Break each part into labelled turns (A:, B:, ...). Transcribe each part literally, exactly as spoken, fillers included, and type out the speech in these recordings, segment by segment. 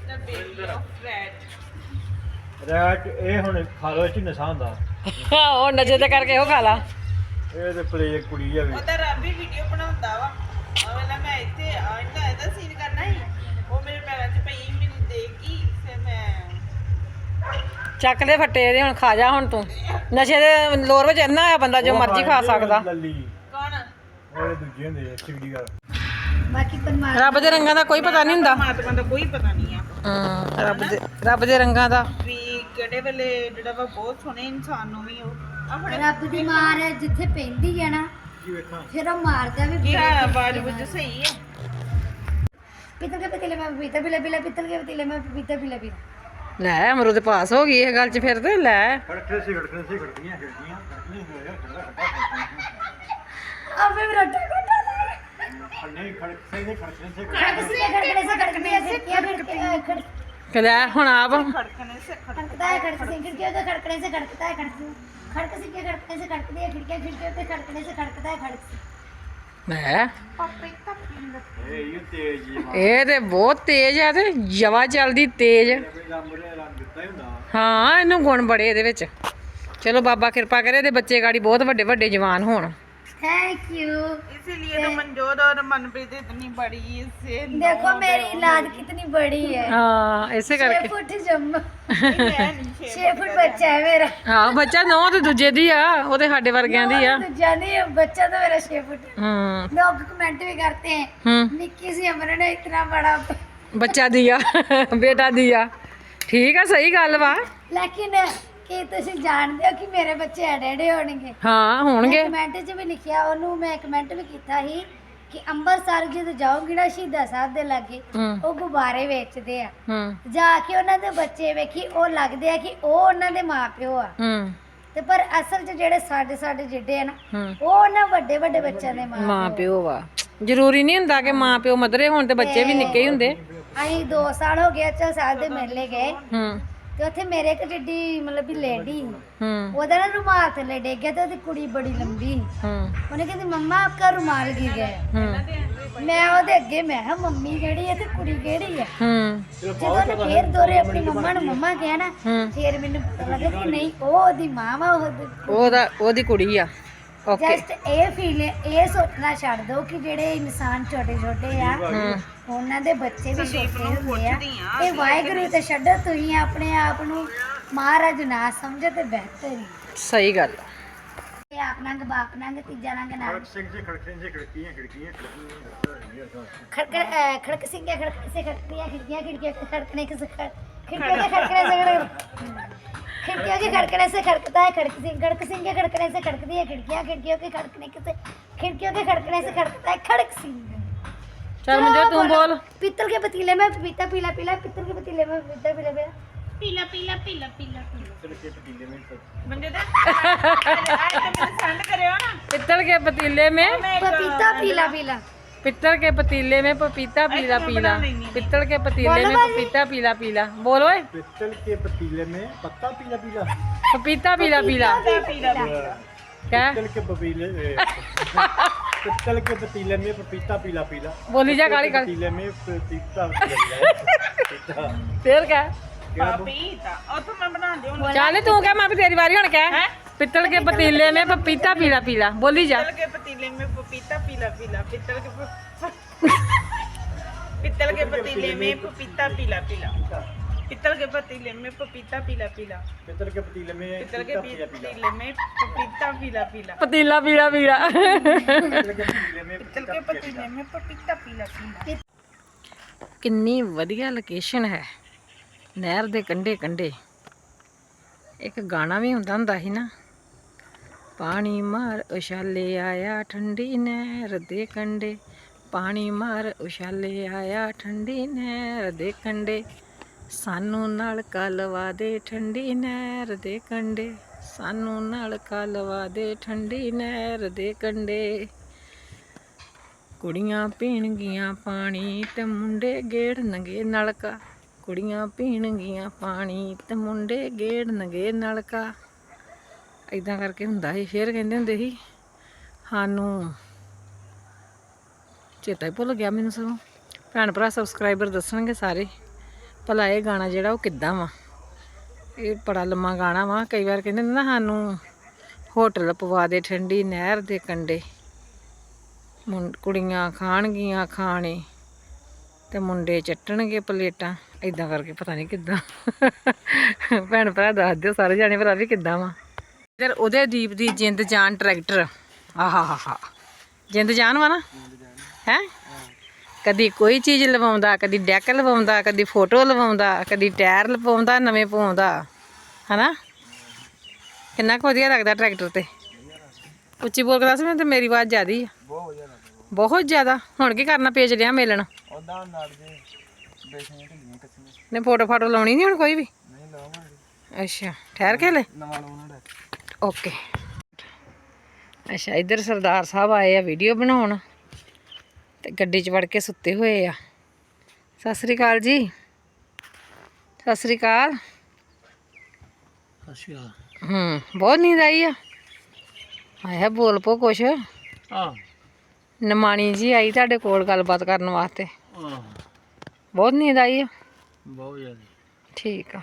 A: Rat ਇਹ ਹੁਣ ਖਾ ਲੋ ਚ ਨਸ਼ਾ ਹੁੰਦਾ
B: ਉਹ ਨਜ਼ਰ ਤੇ ਕਰਕੇ ਉਹ ਖਾ ਲਾ
A: ਇਹ ਤੇ ਪਲੇ ਕੁੜੀ ਆ ਵੀ
C: ਉਹਦਾ ਰੱਬ ਵੀ ਵੀਡੀਓ ਬਣਾਉਂਦਾ ਵਾ ਆ ਵੇਲਾ ਮੈਂ ਇੱਥੇ ਆਂਦਾ ਇਹਦਾ ਸੀਨ ਕਰਨਾ ਸੀ ਉਹ ਮੇਰੇ ਪੈਰਾਂ 'ਚ ਪਈ ਮੈਨੂੰ ਦੇਖੀ ਫਿਰ ਮੈਂ
B: ਚੱਕ ਦੇ ਫੱਟੇ ਇਹਦੇ ਹੁਣ ਖਾ ਜਾ ਹੁਣ ਤੂੰ ਨਸ਼ੇ ਦੇ ਲੋਰ ਵਿੱਚ ਇੰਨਾ ਆ ਬੰਦਾ ਜੋ ਮਰਜ਼ੀ ਖਾ ਸਕਦਾ
A: ਲੱਲੀ
C: ਕੌਣ
A: ਉਹ ਦੂਜੇ ਹੁੰਦੇ ਆ ਸਿਵੜੀ ਦਾ
D: ਬਾਕੀ ਪਰਮਾਤਮਾ
B: ਰੱਬ ਦੇ ਰੰਗਾਂ ਦਾ ਕੋਈ ਪਤਾ ਨਹੀਂ ਹੁੰਦਾ
C: ਪਰਮਾਤਮਾ ਦਾ ਕੋਈ ਪਤਾ ਨਹੀਂ ਆ
B: ਹਾਂ ਰੱਬ ਦੇ ਰੱਬ ਦੇ ਰੰਗਾਂ ਦਾ
C: ਵੀ ਕਿਹੜੇ ਵੇਲੇ ਜਿਹੜਾ ਵਾ ਬਹੁਤ ਸੋਹਣੇ ਇਨਸਾਨ ਨੂੰ ਵੀ ਉਹ ਆਪਣੇ
D: ਰੱਬ ਦੀ ਮਾਰ ਹੈ, ਜਿੱਥੇ ਪੈਂਦੀ ਹੈ ਨਾ
A: ਕੀ ਵੇਖਾਂ
D: ਫਿਰ ਉਹ ਮਾਰਦਾ ਵੀ
C: ਕੀ ਹੈ ਆਵਾਜ਼ ਵਿੱਚ ਸਹੀ ਹੈ
D: पितल के पतीले में पपीता पिला पिला पितल के पतीले में पपीता पिला पिला
B: ਲੈ ਅਮਰੂਦ ਪਾਸ ਹੋ ਗਈ ਇਹ ਗੱਲ 'ਚ ਫਿਰ ਤੇ ਲੈ
A: ਖੜਕੇ ਸੀ ਖੜਕੇ ਸੀ ਖੜਕੀਆਂ ਖੜਕੀਆਂ ਖੜਕੀਆਂ ਹੋਇਆ ਖੜਦਾ
D: अब मैं रोटा कोटा
A: ਖੜਨੇ ਖੜਕ ਸੇ ਨੇ ਖੜਕੇ ਸੇ
D: खड़कने से खड़कने से खड़कने से क्या खड़के खड़
B: ਕਿ ਲੈ ਹੁਣ ਆਪ
C: ਖੜਕਣੇ ਸੇ
D: खड़कता है खड़क से खिड़कियों के खड़कने से खड़कता है खड़क खड़क से क्या खड़कने से खड़कती है खिड़कियां खिड़कियों के खड़कने से खड़कता है खड़क से
B: ਲੈ
C: ਪਾਪੇ ਤਾਂ ਪਿੰਡ
A: ਇਹ ਯੂ ਤੇਜ ਜੀ ਮਾਂ
B: ਇਹ ਤੇ ਬਹੁਤ ਤੇਜ਼ ਆ ਤੇ ਜਵਾ ਚੱਲਦੀ ਤੇਜ਼
A: ਕੋਈ ਰੰਗ ਨੇ ਰੰਗ ਦਿੱਤਾ ਹੀ ਹੁੰਦਾ
B: ਹਾਂ ਇਹਨੂੰ ਗੁਣ ਬੜੇ ਇਹਦੇ ਵਿੱਚ ਚਲੋ ਬਾਬਾ ਕਿਰਪਾ ਕਰੇ ਇਹਦੇ ਬੱਚੇ ਗਾੜੀ ਬਹੁਤ ਵੱਡੇ ਵੱਡੇ ਜਵਾਨ ਹੋਣ
D: थैंक यू
C: इसीलिए तो मनजोत और मनप्रीत इतनी बड़ी से
D: देखो मेरी औलाद कितनी बड़ी है
B: ਹਾਂ ਇਸੇ
D: छह
B: ਕਰਕੇ
D: फुट जम्मा छह फुट बच्चा है मेरा
B: ਹਾਂ ਬੱਚਾ ਨੌ ਤੇ ਦੂਜੇ ਦੀ ਆ ਉਹ ਤੇ ਸਾਡੇ ਵਰਗਿਆਂ ਦੀ ਆ
D: तो जानी है बच्चा तो मेरा छह फुट है।
B: ਹੂੰ
D: लोग कमेंट भी करते हैं
B: ਹੂੰ
D: निक्की सी उम्र ने इतना बड़ा
B: ਬੱਚਾ ਦੀ ਆ ਬੇਟਾ ਦੀ ਆ ਠੀਕ ਆ ਸਹੀ ਗੱਲ ਵਾ
D: लेकिन ਕੀ ਤੁਸੀਂ ਜਾਣਦੇ ਹੋ ਕਿ ਮੇਰੇ ਬੱਚੇ ਐਡੇ ਐਡੇ ਹੋਣਗੇ
B: ਹਾਂ ਹੋਣਗੇ
D: ਕਮੈਂਟ 'ਚ ਵੀ ਲਿਖਿਆ ਉਹਨੂੰ ਮੈਂ ਕਮੈਂਟ ਵੀ ਕੀਤਾ ਸੀ ਕਿ ਅੰਮ੍ਰਿਤਸਰ ਜਦੋਂ ਜਾਓਗੇ ਨਾ ਸ਼ਹੀਦਾਂ ਸਾਹਿਬ ਦੇ ਲਾਗੇ
B: ਹੂੰ
D: ਉਹ ਗੁਬਾਰੇ ਵੇਚਦੇ ਆ
B: ਹੂੰ
D: ਜਾ ਕੇ ਉਹਨਾਂ ਦੇ ਬੱਚੇ ਵੇਖੀ ਉਹ ਲੱਗਦੇ ਆ ਕਿ ਉਹ ਉਹਨਾਂ ਦੇ ਮਾਪਿਓ ਆ
B: ਹੂੰ
D: ਤੇ ਪਰ ਅਸਲ 'ਚ ਜਿਹੜੇ ਸਾਡੇ ਸਾਡੇ ਜਿੱਡੇ ਆ ਨਾ
B: ਹੂੰ
D: ਉਹ ਉਹਨਾਂ ਵੱਡੇ ਵੱਡੇ ਬੱਚਿਆਂ ਦੇ ਮਾਂ
B: ਮਾਂ ਪਿਓ ਵਾ ਜ਼ਰੂਰੀ ਨਹੀਂ ਹੁੰਦਾ ਕਿ ਮਾਂ ਪਿਓ ਮਦਰੇ ਹੋਣ ਤੇ ਬੱਚੇ ਵੀ ਨਿੱਕੇ ਹੀ ਹੁੰਦੇ
D: ਅਸੀਂ ਦੋ ਸਾਲ ਹੋ ਗਏ ਅੱਛਾ ਸਾਹਿਬ ਦੇ ਮੇਲੇ ਗਏ
B: ਹੂੰ
D: ਤੇ ਉੱਥੇ ਮੇਰੇ ਇੱਕ ਜਿੱਡੀ ਮਤਲਬ ਵੀ ਲੇਡੀ
B: ਹੂੰ
D: ਉਹਦਾ ਨਾ ਰੁਮਾਲ ਥੱਲੇ ਡਿੱਗ ਗਿਆ ਤੇ ਉਹਦੀ ਕੁੜੀ ਬੜੀ ਲੰਬੀ
B: ਹੂੰ
D: ਉਹਨੇ ਕਹਿੰਦੀ ਮੰਮਾ ਆਪਕਾ ਰੁਮਾਲ ਗਿਰ ਗਿਆ
B: ਹੂੰ
D: ਮੈਂ ਉਹਦੇ ਅੱਗੇ ਮੈਂ ਕਿਹਾ ਮੰਮੀ ਕਿਹੜੀ ਹੈ ਤੇ ਕੁੜੀ ਕਿਹੜੀ ਹੈ
B: ਹੂੰ
D: ਜਦੋਂ ਉਹਨੇ ਫੇਰ ਦੋਰੇ ਆਪਣੀ ਮੰਮਾ ਨੂੰ ਮੰਮਾ ਕਿਹਾ ਨਾ
B: ਹੂੰ
D: ਫੇਰ ਮੈਨੂੰ ਪਤਾ ਲੱਗਾ ਕਿ ਨਹੀਂ ਉਹ ਉਹਦੀ ਮਾਂ ਵਾ ਉਹ
B: ਉਹਦਾ ਉਹਦੀ ਕੁੜੀ ਆ ਓਕੇ
D: ਜਸਟ ਇਹ ਫੀਲ ਇਹ ਸੋਚਣਾ ਛੱਡ ਦਿਓ ਕਿ ਜਿਹੜੇ ਇਨਸਾਨ ਛੋਟੇ ਛੋਟੇ ਆ
B: ਹੂੰ
D: ਉਹਨਾਂ ਦੇ ਬੱਚੇ ਵੀ ਛੋਟੇ ਹੁੰਦੇ ਆ ਇਹ ਵਾਹਿਗੁਰੂ ਤੇ ਛੱਡੋ ਤੁਸੀਂ ਆਪਣੇ ਆਪ ਨੂੰ ਮਹਾਰਾਜ ਨਾ ਸਮਝੋ ਤੇ ਬਿਹਤਰ ਹੀ
B: ਸਹੀ ਗੱਲ ਆ।
D: ਇਹ ਆਪ ਨੰਗ ਬਾਪ ਨੰਗ ਤੀਜਾ ਨੰਗ ਨਾਲ
A: ਖੜਕ ਸਿੰਘ ਜੀ ਖੜਕੇ ਸੇ ਖੜਕੀਆਂ ਖੜਕੀਆਂ ਖੜਕੀਆਂ
D: खड़क अ, खड़क सिंह के खड़कने से खड़कती है खिड़कियाँ खिड़कियों के खड़कने के से खड़ खिड़कियों के खड़कने से खड़ खिड़कियों के खड़कने से खड़कता है खड़क सिंह खड़क सिंह के खड़कने से खड़कती है खिड़कियाँ खिड़कियों के खड़कने के से खिड़कियों के खड़कने से खड़कता है खड़क सिंह
B: ਚੱਲ ਮੁੰਡੇ ਤੂੰ ਬੋਲ
D: पीतल के पतीले में पपीता पीला पीला पीतल के पतीले में पपीता पीला पीला
C: पीला पीला पीला पीला
A: ਚਲਕੇ ਪਤੀਲੇ ਵਿੱਚ
C: ਬੰਦੇ ਦਾ ਆਏ ਤਾਂ ਮੈਨੂੰ ਸੈਂਡ ਕਰਿਓ ਨਾ
B: पित्तल के पतीले में
D: पपीता पीला पीला
B: पित्तल के पतीले में पपीता पीला पीला पित्तल के पतीले में पपीता पीला पीला बोल ओए
A: ਪਿੱਤਲ ਕੇ ਪਤੀਲੇ में पत्ता पीला पीला
B: पपीता पीला पीला
C: ਪੀਲਾ
B: क्या
A: पित्तल के पतीले पित्तल के पतीले में पपीता पीला पीला
B: बोली जा काली काली
A: पतीले में पपीता पीला
B: फिर क्या
C: ਪਪੀਤਾ ਉਹ ਤਾਂ ਮੈਂ ਬਣਾ ਦਿਓ
B: चल तू क्या मैं भी तेरी बारी होने क्या पित्तल के पतीले में पपीता पीला पीला बोली जा
C: पित्तल के पतीले में पपीता पीला पीला पित्तल के प- पित्तल के पतीले में पपीता पीला पीला पित्तल के पतीले में पपीता पीला पीला
A: पित्तल के पतीले में
C: पित्तल के
A: पपीता पीला
C: पतीले में पपीता पीला पीला
B: पतीला पीला पीला
A: पित्तल के पतीले में
C: पित्तल के पतीले में पपीता पीला पीला
B: ਕਿੰਨੀ ਵਧੀਆ ਲੋਕੇਸ਼ਨ ਹੈ ਨਹਿਰ ਦੇ ਕੰਢੇ ਕੰਢੇ ਇੱਕ ਗਾਣਾ ਵੀ ਹੁੰਦਾ ਹੁੰਦਾ ਸੀ ਨਾ ਪਾਣੀ ਮਾਰ ਉਛਾਲੇ ਆਇਆ ਠੰਡੀ ਨਹਿਰ ਦੇ ਕੰਢੇ ਪਾਣੀ ਮਾਰ ਉਛਾਲੇ ਆਇਆ ਠੰਡੀ ਨਹਿਰ ਦੇ ਕੰਢੇ ਸਾਨੂੰ ਨਾਲ ਕਲਵਾ ਦੇ ਠੰਡੀ ਨਹਿਰ ਦੇ ਕੰਢੇ ਸਾਨੂੰ ਨਾਲ ਕਲਵਾ ਦੇ ਠੰਡੀ ਨਹਿਰ ਦੇ ਕੰਢੇ ਕੁੜੀਆਂ ਪੀਣਗੀਆਂ ਪਾਣੀ ਤੇ ਮੁੰਡੇ ਗੇੜਨਗੇ ਨਲਕਾ ਕੁੜੀਆਂ ਪੀਣਗੀਆਂ ਪਾਣੀ ਤੇ ਮੁੰਡੇ ਗੇੜਨਗੇ ਨਲਕਾ ਇਦਾਂ ਕਰਕੇ ਹੁੰਦਾ ਸੀ ਫਿਰ ਕਹਿੰਦੇ ਹੁੰਦੇ ਸੀ ਸਾਨੂੰ ਚੇਤਾ ਹੀ ਭੁੱਲ ਗਿਆ ਮੈਨੂੰ ਸਗੋਂ ਭੈਣ ਭਰਾ ਸਬਸਕ੍ਰਾਈਬਰ ਦੱਸਣਗੇ ਸਾਰੇ ਭਲਾ ਇਹ ਗਾਣਾ ਜਿਹੜਾ ਉਹ ਕਿੱਦਾਂ ਵਾ। ਇਹ ਬੜਾ ਲੰਮਾ ਗਾਣਾ ਵਾ। ਕਈ ਵਾਰ ਕਹਿੰਦੇ ਨੇ ਨਾ ਸਾਨੂੰ ਹੋਟਲ ਪਵਾ ਦੇ ਠੰਡੀ ਨਹਿਰ ਦੇ ਕੰਢੇ, ਮੁੰ ਕੁੜੀਆਂ ਖਾਣਗੀਆਂ ਖਾਣੇ ਤੇ ਮੁੰਡੇ ਚੱਟਣਗੇ ਪਲੇਟਾਂ, ਇਦਾਂ ਕਰਕੇ ਪਤਾ ਨਹੀਂ ਕਿੱਦਾਂ। ਭੈਣ ਭਰਾ ਦੱਸ ਦਿਓ ਸਾਰੇ ਜਾਣੇ ਭਰਾ ਵੀ ਕਿੱਦਾਂ ਵਾ। ਇਧਰ ਉਹਦੇ ਦੀਪ ਦੀ ਜਿੰਦ ਜਾਨ ਟਰੈਕਟਰ, ਆਹਾ ਹਾ ਹਾ ਜਿੰਦ ਜਾਨ ਵਾ ਨਾ ਹੈ। ਕਦੀ ਕੋਈ ਚੀਜ਼ ਲਵਾਉਂਦਾ, ਕਦੀ ਡੈਕ ਲਵਾਉਂਦਾ, ਕਦੀ ਫੋਟੋ ਲਵਾਉਂਦਾ, ਕਦੀ ਟਾਇਰ ਲਵਾਉਂਦਾ ਨਵੇਂ ਪਵਾਉਂਦਾ, ਹਨਾ। ਕਿੰਨਾ ਕੁ ਵਧੀਆ ਲੱਗਦਾ ਟਰੈਕਟਰ ਤੇ। ਉੱਚੀ ਬੋਲ ਕੇ ਦੱਸ ਮੈਨੂੰ, ਤੇ ਮੇਰੀ ਆਵਾਜ਼ ਜ਼ਿਆਦੀ ਆ ਬਹੁਤ ਜ਼ਿਆਦਾ। ਹੁਣ ਕੀ ਕਰਨਾ, ਪੇਜ ਲਿਆ ਮੇਲਣ ਨੇ, ਫੋਟੋ ਫਾਟੋ ਲਾਉਣੀ ਨਹੀਂ ਹੁਣ ਕੋਈ ਵੀ। ਅੱਛਾ ਠਹਿਰ ਕੇ ਲੈ ਓਕੇ। ਅੱਛਾ ਇੱਧਰ ਸਰਦਾਰ ਸਾਹਿਬ ਆਏ ਆ ਵੀਡੀਓ ਬਣਾਉਣ ਤੇ ਗੱਡੀ 'ਚ ਵੜ ਕੇ ਸੁੱਤੇ ਹੋਏ ਆ। ਸਤਿ ਸ੍ਰੀ ਅਕਾਲ ਜੀ। ਸਤਿ ਸ੍ਰੀ ਅਕਾਲ। ਹੂੰ ਬਹੁਤ ਨੀਂਦ ਆਈ ਆ। ਆਇਆ ਬੋਲ ਪੋ ਕੁਛ। ਨਮਾਣੀ ਜੀ ਆਈ ਤੁਹਾਡੇ ਕੋਲ ਗੱਲਬਾਤ ਕਰਨ ਵਾਸਤੇ। ਬਹੁਤ ਨੀਂਦ ਆਈ ਆ। ਬਹੁਤ ਜ਼ਿਆਦਾ। ਠੀਕ ਆ।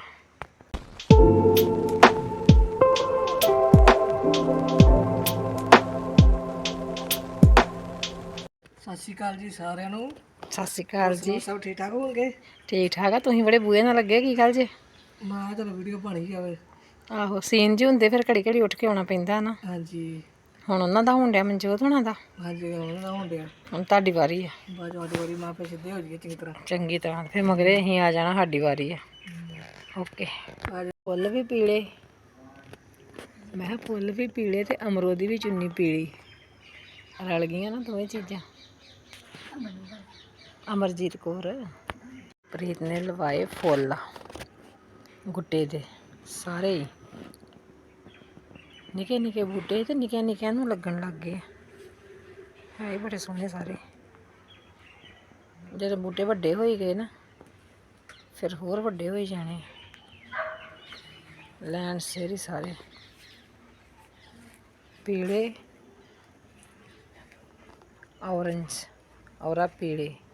E: ਸਤਿ ਸ਼੍ਰੀ ਅਕਾਲ ਜੀ ਸਾਰਿਆਂ ਨੂੰ।
B: ਸਤਿ ਸ਼੍ਰੀ ਅਕਾਲ ਜੀ।
E: ਸਭ ਠੀਕ ਠਾਕ ਹੋਣਗੇ?
B: ਠੀਕ ਠਾਕ ਆ। ਤੁਸੀਂ ਬੜੇ ਬੂਹੇ ਨਾਲ ਲੱਗੇ ਕੀ ਗੱਲ ਜੇ?
E: ਮੈਂ ਚਲੋ ਵੀਡੀਓ ਬਣੀ ਜਾਵੇ।
B: ਆਹੋ ਸੀਨ ਜੀ ਹੁੰਦੇ ਫਿਰ ਘੜੀ ਘੜੀ ਉੱਠ ਕੇ ਆਉਣਾ ਪੈਂਦਾ ਨਾ।
E: ਹਾਂਜੀ
B: ਹੁਣ ਉਹਨਾਂ ਦਾ ਹੋਣ ਡਿਆ ਮਨਜੋਤ ਹੋਣਾ ਦਾ।
E: ਹਾਂਜੀ ਉਹਨਾਂ ਦਾ ਹੋਣ ਡਿਆ।
B: ਹੁਣ ਤੁਹਾਡੀ ਵਾਰੀ ਆ।
E: ਬਾਅਦ ਵਾਲੀ ਵਾਰੀ ਮਾਂ ਪੇ ਸਿੱਧੇ ਹੋ ਜਾਈਏ ਚੰਗੀ ਤਰ੍ਹਾਂ।
B: ਚੰਗੀ ਤਰ੍ਹਾਂ ਫਿਰ ਮਗਰੇ ਅਸੀਂ ਆ ਜਾਣਾ, ਸਾਡੀ ਵਾਰੀ ਆ। ਓਕੇ। ਫੁੱਲ ਵੀ ਪੀਲੇ, ਮੈਂ ਕਿਹਾ ਫੁੱਲ ਵੀ ਪੀਲੇ ਤੇ ਅਮਰੋ ਦੀ ਵੀ ਚੁੰਨੀ ਪੀਲੀ, ਰਲ ਗਈਆਂ ਨਾ ਦੋਵੇਂ ਚੀਜ਼ਾਂ। ਅਮਰਜੀਤ ਕੌਰ। ਪ੍ਰੀਤ ਨੇ ਲਵਾਏ ਫੁੱਲ ਗੁੱਟੇ ਦੇ ਸਾਰੇ ਹੀ, ਨਿੱਕੇ ਨਿੱਕੇ ਬੂਟੇ ਤੇ ਨਿੱਕਿਆਂ ਨਿੱਕਿਆਂ ਨੂੰ ਲੱਗਣ ਲੱਗ ਗਏ। ਹੈ ਹੀ ਬੜੇ ਸੋਹਣੇ ਸਾਰੇ। ਜਦੋਂ ਬੂਟੇ ਵੱਡੇ ਹੋਈ ਗਏ ਨਾ ਫਿਰ ਹੋਰ ਵੱਡੇ ਹੋਈ ਜਾਣੇ। ਲੈਣ ਸੇਰੀ ਸਾਰੇ ਪੀਲੇ, ਔਰੰਜ ਔਰਾ ਪੀਲੇ।